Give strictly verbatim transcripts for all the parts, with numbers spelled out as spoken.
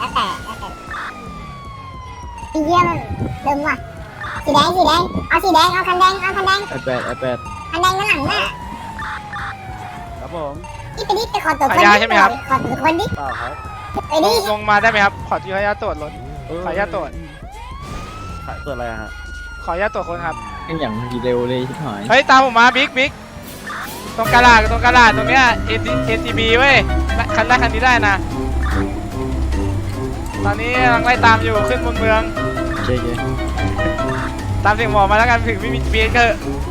แล้วแต่แล้วแต่ไอ้เหี้ยมันเดิมว่ะสีแดงสีแดงเอาสีแดงเอาคันแดงเอาคันแดงไอแปดไอแปดคันแดงด้านหลังน่ะครับผมนี่ไปดิไปขอตัวคนขายยาใช่ไหมครับขอตัวคนดิเปล่าครับไปลดิงลงมาได้ไหมครับ ขออนุญาตตรวจรถ ขออนุญาตตรวจขายตัวอะไรอะฮะขออนุญาตตรวจคนครับยังอย่างเร็วเลยชิบหายเฮ้ยตามผมมาบิ๊กบิ๊กตรงกระดาษตรงกระดาษตรงเนี้ย เอ็น ที บี เว้ยคันแรกคันนี้ได้นะ ตอนนี้กำลังไล่ตามอยู่ขึ้นบนเมืองเจ๊เจ๊ตามเสียงหมอมาแล้วกันถึงไม่มี จี พี เอส ก็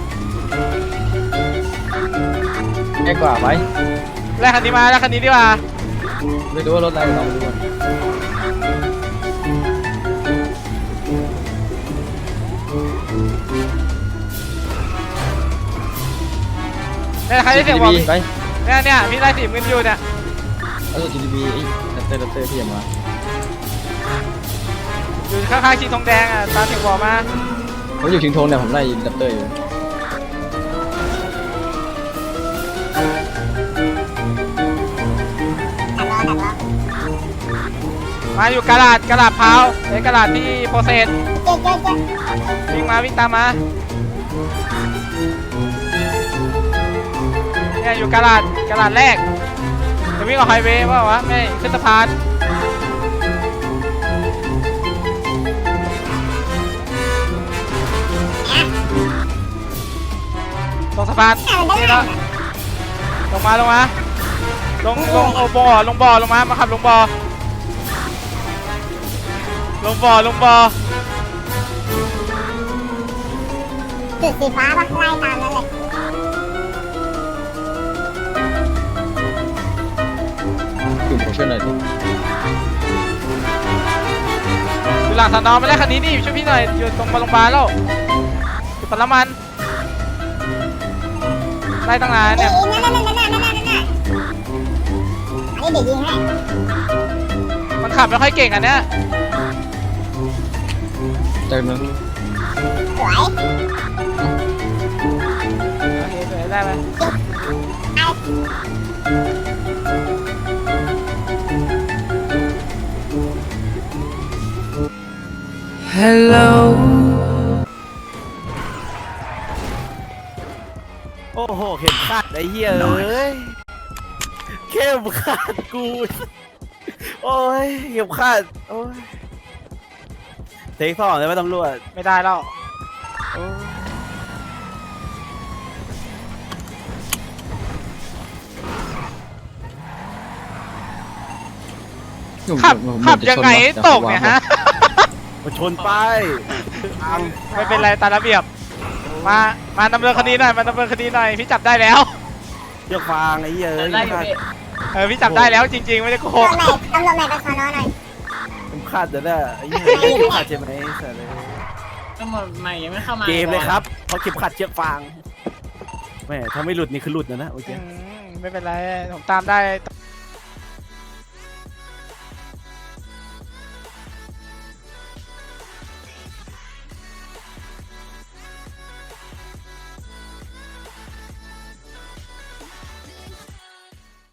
แย่กว่าไปแรกคันนี้มาแล้วคันนี้ดีกว่าไม่รู้ว่ารถอะไรลองดูก่อนเนี่ยใครได้เสียงบอกไปเนี่ยเนี่ยพี่ไล่สีมืออยู่เนี่ยแล้วตัวจีดีบีไอ้ดัตเตอร์ดัตเตอร์ที่ยังมาอยู่ข้างๆชิงทองแดงอ่ะตามเสียงบอกมาผมอยู่ชิงทงเนี่ยผมไล่ดัตเตอร์อยู่ดักรอดักรอมาอยู่กระดาษกระดาษพาวในกระดาษที่โปรเซสเจ๊เจ๊เจ๊วิ่งมาวิ่งตามมาเนี่ยอยู่กระดาษกระดาษแรกจะวิ่งออกไฮเวย์ว่าวะไม่ขึ้นสะพานลงสะพานเอาได้นี่แล้แล้ว วลงมาลงมาลงลงเอาบ่อลงบ่อลงมามาขับลงบ่อลงบ่อลงบ่อจุดสีฟ้าปะไล่ตามนั่นเลยกลุ่มผมช่วยหน่อยดิอยู่หลังสนอมาแล้วคันนี้นี่ช่วยพี่หน่อยอยู่ตรงโรงพยาบาลแล้วอยู่ปั๊มน้ำมันไล่ตั้งนานเอ้เนี่ยยนั่นนั่นนั่นนั่นนั่นนั่นนั่นอันนี้เดี๋ยวยิงให้มันขับไม่ค่อยเก่งอันเนี้ยเจอหนึ่งสวยโอเคสวยได้ไหมเอาโอ้โหเข็มขัดไอ้เหี้ยเอ้ยเข็มขัดกูโอ้ยเข็มขัดโอ้ยเทคสองเลยไหมตำรวจไม่ได้แล้วโอ้ยขับขับยังไงให้ตกเนี่ยฮะมาชนป้ายอังไม่เป็นไรตามระเบียบมามาดำเนินคดีหน่อยมาดำเนินคดีหน่อยพี่จับได้แล้วเชือกฟางไอ้เหี้ยเอ้ยได้อยู่พี่เออพี่จับได้แล้วจริงๆไม่ได้โกหตำรวกจไหนตำรวจไหนไปสอนอหน่อยเข็มขัดเดี๋ยวนะไอ้เหี้ยเข็มขัดใช่ไหมเสร็จเลยก็หมดใหม่ยังไม่เข้ามาเกมเลยครับเพราะเข็มขัดเชือกฟางแม่ถ้าไม่หลุดนี่คือหลุดนะนะโอเคอืมไม่เป็นไรผมตามได้